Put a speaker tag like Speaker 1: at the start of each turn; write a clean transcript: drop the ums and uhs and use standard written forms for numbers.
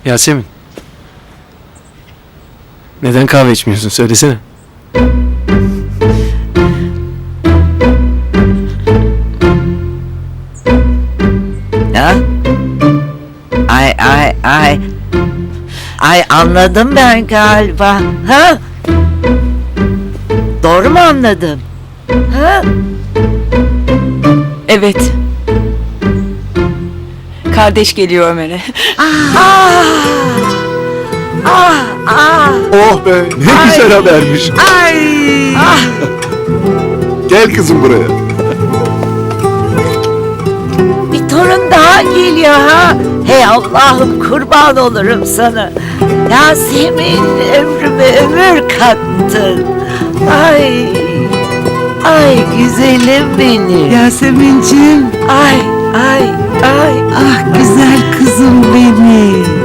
Speaker 1: Yasemin. Neden kahve içmiyorsun? Söylesene.
Speaker 2: Ha? Ay. Ay anladım ben galiba. Ha? Doğru mu anladım? Ha?
Speaker 3: Evet. Kardeş geliyor Ömer'e.
Speaker 4: Oh be, ne güzel habermiş.
Speaker 2: Ay.
Speaker 4: Gel kızım buraya.
Speaker 2: Bir torun daha geliyor ha. Hey Allah'ım kurban olurum sana. Yasemin ömrüme ömür kattın. Ay. Ay güzelim benim.
Speaker 5: Yasemin'cim,
Speaker 2: Ay.
Speaker 5: ah güzel kızım benim.